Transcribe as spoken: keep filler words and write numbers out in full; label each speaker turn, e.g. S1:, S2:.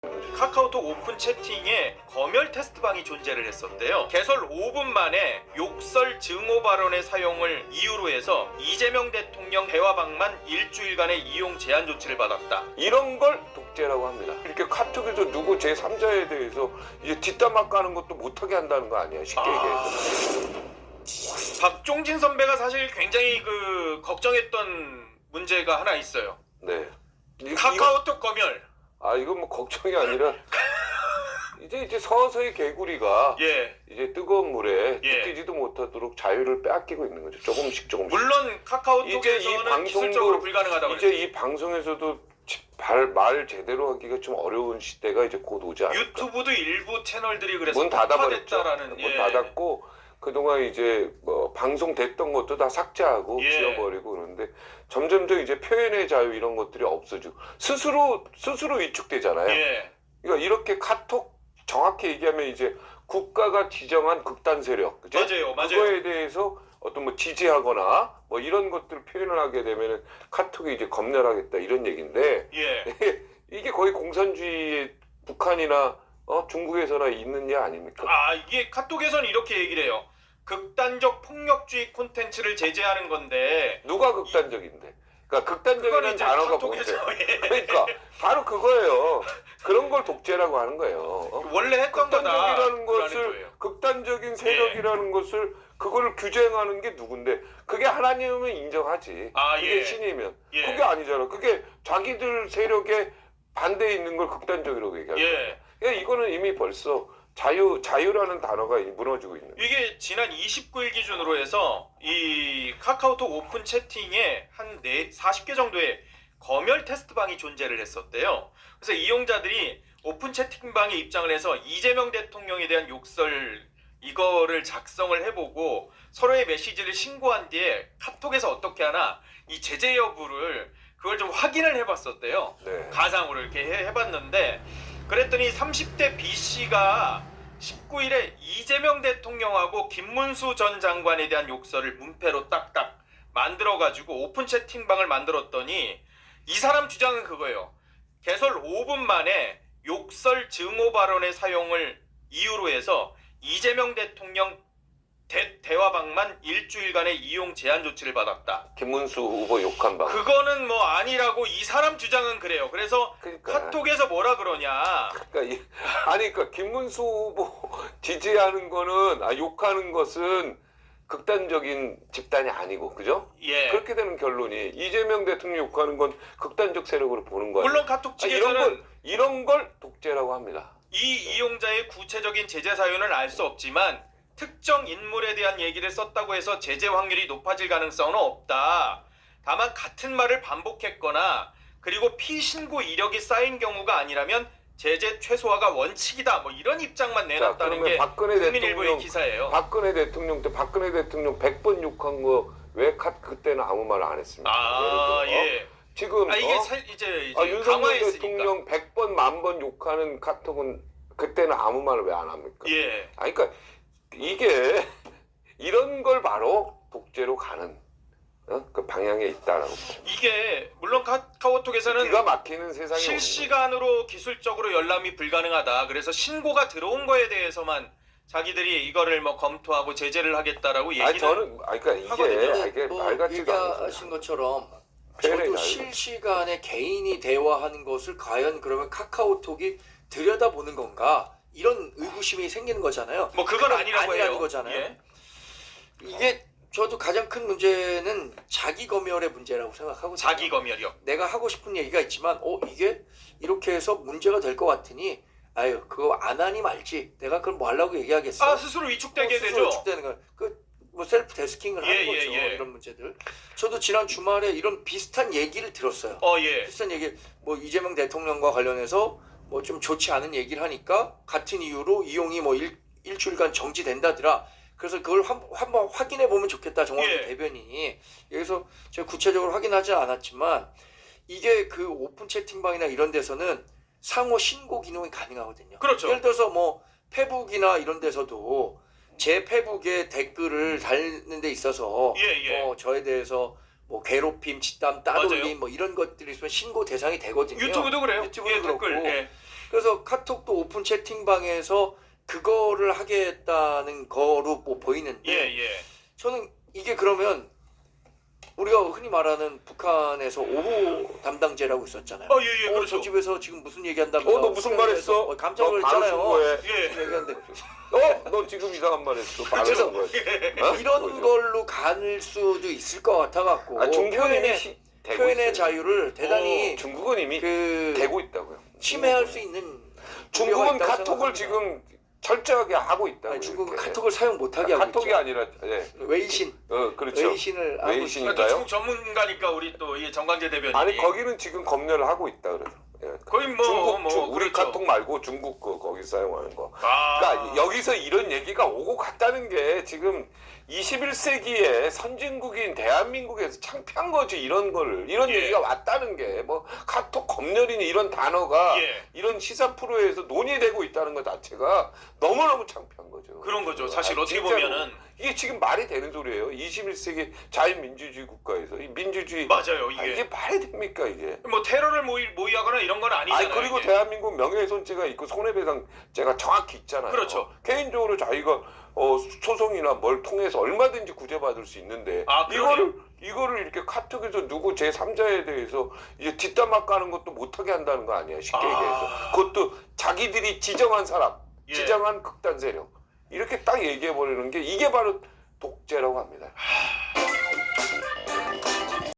S1: 카카오톡 오픈 채팅에 검열 테스트방이 존재를 했었대요. 개설 오 분 만에 욕설 증오 발언의 사용을 이유로 해서 이재명 대통령 대화방만 일주일간의 이용 제한 조치를 받았다.
S2: 이런 걸 독재라고 합니다. 이렇게 카톡에서 누구 제삼자에 대해서 이제 뒷담화 까는 것도 못하게 한다는 거 아니에요, 쉽게
S1: 아...
S2: 얘기해서.
S1: 박종진 선배가 사실 굉장히 그 걱정했던 문제가 하나 있어요.
S2: 네. 이,
S1: 카카오톡 이거... 검열.
S2: 아 이건 뭐 걱정이 아니라 이제 이제 서서히 개구리가
S1: 예.
S2: 이제 뜨거운 물에
S1: 예.
S2: 뛰지도 못하도록 자유를 빼앗기고 있는 거죠. 조금씩 조금씩.
S1: 물론 카카오톡에서는 기술적으로 불가능하다고
S2: 이제 이 방송에서도 발, 말 제대로 하기가 좀 어려운 시대가 이제 곧 오지 않을까.
S1: 유튜브도 일부 채널들이 그래서
S2: 문 닫아버렸죠.
S1: 문
S2: 예. 닫았고 그동안 이제 뭐 방송됐던 것도 다 삭제하고
S1: 예.
S2: 지워버리고 그러는데 점점점 이제 표현의 자유 이런 것들이 없어지고 스스로 스스로 위축되잖아요.
S1: 예.
S2: 그러니까 이렇게 카톡 정확히 얘기하면 이제 국가가 지정한 극단 세력, 그죠?
S1: 맞아요, 맞아요.
S2: 그거에 대해서 어떤 뭐 지지하거나 뭐 이런 것들을 표현을 하게 되면은 카톡이 이제 검열하겠다 이런 얘기인데
S1: 예.
S2: 이게 거의 공산주의의 북한이나 어, 중국에서나 있는 일 아닙니까?
S1: 아 이게 카톡에서는 이렇게 얘기를 해요. 극단적 폭력주의 콘텐츠를 제재하는 건데
S2: 누가 극단적인데? 그러니까 극단적이라는 단어가 뭔데?
S1: 예.
S2: 그러니까 바로 그거예요. 그런 걸 독재라고 하는 거예요. 어?
S1: 원래 했던 거다.
S2: 극단적이라는 것을 극단적인 세력이라는 예. 것을 그걸 규정하는 게 누군데? 그게 하나님은 인정하지.
S1: 아,
S2: 그게
S1: 예.
S2: 신이면
S1: 예.
S2: 그게 아니잖아. 그게 자기들 세력에 반대에 있는 걸 극단적이라고 얘기하는
S1: 예.
S2: 거야. 그러니까 이거는 이미 벌써 자유, 자유라는 단어가 무너지고 있는 거예요.
S1: 이게 지난 이십구 일 기준으로 해서 이 카카오톡 오픈 채팅에 한 사십 개 정도의 검열 테스트방이 존재를 했었대요. 그래서 이용자들이 오픈 채팅방에 입장을 해서 이재명 대통령에 대한 욕설 이거를 작성을 해보고 서로의 메시지를 신고한 뒤에 카톡에서 어떻게 하나 이 제재 여부를 그걸 좀 확인을 해봤었대요.
S2: 네.
S1: 가상으로 이렇게 해, 해봤는데 그랬더니 삼십 대 B씨가 십구 일에 이재명 대통령하고 김문수 전 장관에 대한 욕설을 문패로 딱딱 만들어가지고 오픈 채팅방을 만들었더니 이 사람 주장은 그거예요. 개설 오 분 만에 욕설 증오 발언의 사용을 이유로 해서 이재명 대통령 대, 대화방만 일주일간의 이용 제한 조치를 받았다.
S2: 김문수 후보 욕한 방.
S1: 그거는 뭐 아니라고 이 사람 주장은 그래요. 그래서
S2: 그러니까.
S1: 카톡에서 뭐라 그러냐.
S2: 그러니까 이, 아니 그러니까 김문수 후보 지지하는 거는 아, 욕하는 것은 극단적인 집단이 아니고 그죠?
S1: 예.
S2: 그렇게 되는 결론이 이재명 대통령 욕하는 건 극단적 세력으로 보는 거예요.
S1: 물론 카톡
S2: 아,
S1: 측에서는
S2: 이런 걸 이런 걸 독재라고 합니다.
S1: 이 이용자의 구체적인 제재 사유는 알 수 없지만 특정 인물에 대한 얘기를 썼다고 해서 제재 확률이 높아질 가능성은 없다. 다만 같은 말을 반복했거나 그리고 피신고 이력이 쌓인 경우가 아니라면 제재 최소화가 원칙이다. 뭐 이런 입장만 내놨다는 게
S2: 박근혜
S1: 국민일보의
S2: 대통령
S1: 기사예요.
S2: 박근혜 대통령 때 박근혜 대통령 백 번 욕한 거 왜 그때는 아무 말 안 했습니까?
S1: 아 예.
S2: 지금
S1: 아 이게
S2: 어?
S1: 사, 이제, 이제
S2: 아, 윤석열
S1: 강화했으니까.
S2: 대통령 백 번 만 번 욕하는 카톡은 그때는 아무 말을 왜 안 합니까?
S1: 예.
S2: 아니 그러니까 이게 이런 걸 바로 독재로 가는 어? 그 방향에 있다라고.
S1: 이게 물론 카카오톡에서는
S2: 기가 막히는 세상이
S1: 실시간으로 기술적으로 열람이 불가능하다. 그래서 신고가 들어온 거에 대해서만 자기들이 이거를 뭐 검토하고 제재를 하겠다라고 얘기는.
S2: 아니 저는 아니 그러니까 이게
S1: 하거든요.
S2: 이게
S3: 뭐
S2: 말 같지가 않아요.
S3: 얘기하신 것처럼
S2: 표현의
S3: 저도
S2: 자유.
S3: 실시간에 개인이 대화하는 것을 과연 그러면 카카오톡이 들여다보는 건가 이런 의구심이 생기는 거잖아요.
S1: 뭐 그건
S3: 그건
S1: 아니라고
S3: 아니라는
S1: 해요.
S3: 거잖아요.
S1: 예.
S3: 이게 저도 가장 큰 문제는 자기 검열의 문제라고 생각하거든요.
S1: 자기 검열이요.
S3: 내가 하고 싶은 얘기가 있지만 어 이게 이렇게 해서 문제가 될 것 같으니 아유 그거 안 하니 말지 내가 그걸 뭐 하려고 얘기하겠어.
S1: 아 스스로 위축되게
S3: 어, 스스로
S1: 되죠.
S3: 위축되는 거. 그뭐 셀프 데스킹을
S1: 예,
S3: 하는
S1: 예,
S3: 거죠.
S1: 예.
S3: 이런 문제들. 저도 지난 주말에 이런 비슷한 얘기를 들었어요.
S1: 어 예.
S3: 비슷한 얘기 뭐 이재명 대통령과 관련해서 뭐 좀 좋지 않은 얘기를 하니까 같은 이유로 이용이 뭐 일, 일주일간 정지된다더라. 그래서 그걸 한, 한번 확인해 보면 좋겠다. 정확히
S1: 예.
S3: 대변인이. 여기서 제가 구체적으로 확인하지 않았지만 이게 그 오픈 채팅방이나 이런 데서는 상호 신고 기능이 가능하거든요.
S1: 그렇죠.
S3: 예를 들어서 뭐 페북이나 이런 데서도 제 페북에 댓글을 달는 데 있어서
S1: 예, 예.
S3: 뭐 저에 대해서 뭐 괴롭힘, 짓담, 따돌림 뭐 이런 것들이 있으면 신고 대상이 되거든요.
S1: 유튜브도 그래요.
S3: 유튜브도
S1: 예,
S3: 그렇고.
S1: 댓글. 예.
S3: 그래서 카톡도 오픈 채팅방에서 그거를 하겠다는 거로 뭐 보이는데
S1: 예, 예.
S3: 저는 이게 그러면 우리가 흔히 말하는 북한에서 오호 담당제라고 있었잖아요.
S1: 어, 예, 예,
S3: 어,
S1: 그렇죠.
S3: 저 집에서 지금 무슨 얘기한다면서
S2: 어, 너 무슨 말 했어?
S3: 어, 깜짝
S2: 너 바로
S3: 놀랐잖아요.
S2: 신고해.
S1: 예.
S3: 얘기하는데
S2: 어? 너 지금 이상한 말 했어. 바로
S3: 그래서
S2: 신고해. 어?
S3: 이런
S2: 그거죠.
S3: 걸로 갈 수도 있을 것 같아갖고
S2: 아, 중국은 이미
S3: 표현의,
S2: 시- 되고
S3: 표현의
S2: 있어요.
S3: 자유를 대단히
S2: 어, 중국은 이미
S3: 그
S2: 되고 있다고요.
S3: 침해할 수 있는 우려가
S2: 중국은
S3: 있다고
S2: 카톡을
S3: 생각합니다.
S2: 지금 철저하게 하고 있다고요.
S3: 아니, 중국은
S2: 이렇게.
S3: 카톡을 사용 못하게 하고
S2: 카톡이
S3: 있죠.
S2: 아니라 예.
S3: 웨이신,
S2: 어, 그렇죠.
S3: 웨이신을 하고
S2: 웨이신이-
S3: 있죠.
S1: 또 중국 전문가니까 우리 또 이 정광재 대변인이
S2: 아니 거기는 지금 검열을 하고 있다 그래서. 예.
S1: 거의 뭐,
S2: 중국
S1: 뭐
S2: 중- 우리
S1: 그렇죠.
S2: 카톡 말고 중국 거 거기 사용하는 거.
S1: 아,
S2: 그러니까 여기서 이런 얘기가 오고 갔다는 게 지금 이십일 세기에 선진국인 대한민국에서 창피한 거지 이런 거를 이런
S1: 예.
S2: 얘기가 왔다는 게 뭐 카톡 검열이니 이런 단어가
S1: 예.
S2: 이런 시사 프로에서 논의되고 있다는 것 자체가 너무너무 창피한 거죠.
S1: 그런 거죠. 사실
S2: 아,
S1: 어떻게
S2: 진짜로.
S1: 보면은
S2: 이게 지금 말이 되는 소리예요. 이십일 세기 자유민주주의 국가에서 이 민주주의
S1: 맞아요.
S2: 아,
S1: 이게
S2: 이게 말이 됩니까 이게?
S1: 뭐 테러를 모의, 모의하거나 이런 건 아니잖아요.
S2: 아니 그리고
S1: 이게.
S2: 대한민국 명예훼손죄가 있고 손해배상죄가 정확히 있잖아요.
S1: 그렇죠.
S2: 개인적으로 자기가 어, 소송이나 뭘 통해서 얼마든지 구제받을 수 있는데
S1: 아, 그러네요.
S2: 이거를 이거를 이렇게 카톡에서 누구 제삼자에 대해서 이제 뒷담화 까는 것도 못하게 한다는 거 아니야 쉽게
S1: 아.
S2: 얘기해서 그것도 자기들이 지정한 사람,
S1: 예.
S2: 지정한 극단 세력 이렇게 딱 얘기해 버리는 게 이게 바로 독재라고 합니다.